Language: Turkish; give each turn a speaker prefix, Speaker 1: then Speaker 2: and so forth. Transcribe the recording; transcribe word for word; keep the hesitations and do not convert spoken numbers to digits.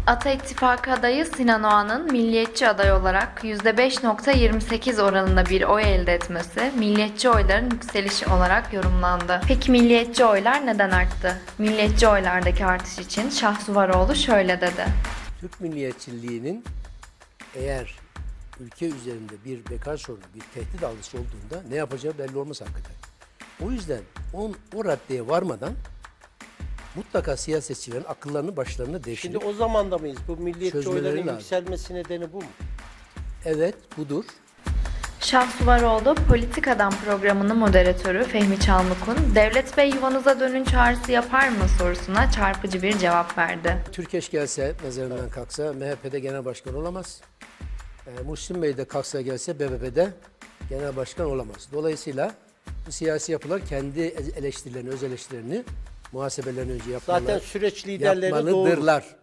Speaker 1: Ata İttifakı adayı Sinan Oğan'ın milliyetçi aday olarak yüzde beş nokta yirmi sekiz oranında bir oy elde etmesi, milliyetçi oyların yükselişi olarak yorumlandı. Peki milliyetçi oylar neden arttı? Milliyetçi oylardaki artış için Şahsuvaroğlu şöyle dedi.
Speaker 2: Türk milliyetçiliğinin eğer ülke üzerinde bir bekar sorunu, bir tehdit algısı olduğunda ne yapacağı belli olmaz hakikaten. O yüzden on, o raddeye varmadan mutlaka siyasetçilerin akıllarını başlarını
Speaker 3: Şimdi
Speaker 2: devşirip
Speaker 3: o zamanda mıyız? Bu milliyetçi
Speaker 2: çözmeleri
Speaker 3: oyların
Speaker 2: lazım.
Speaker 3: yükselmesi nedeni bu mu?
Speaker 2: evet budur.
Speaker 1: Şahsuvaroğlu Politika'dan programının moderatörü Fehmi Çalmuk'un "Devlet Bey yuvanıza dönün çağrısı yapar mı?" sorusuna çarpıcı bir cevap verdi.
Speaker 2: Türkeş gelse, mezarından kalksa M H P'de genel başkan olamaz. E, Muhsin Bey de kalksa gelse B B P'de genel başkan olamaz. Dolayısıyla bu siyasi yapılar kendi eleştirilerini, öz eleştirilerini muhasebelerini önce yapmalı,
Speaker 3: Zaten süreç liderleri doğru.
Speaker 2: yapmalıdırlar.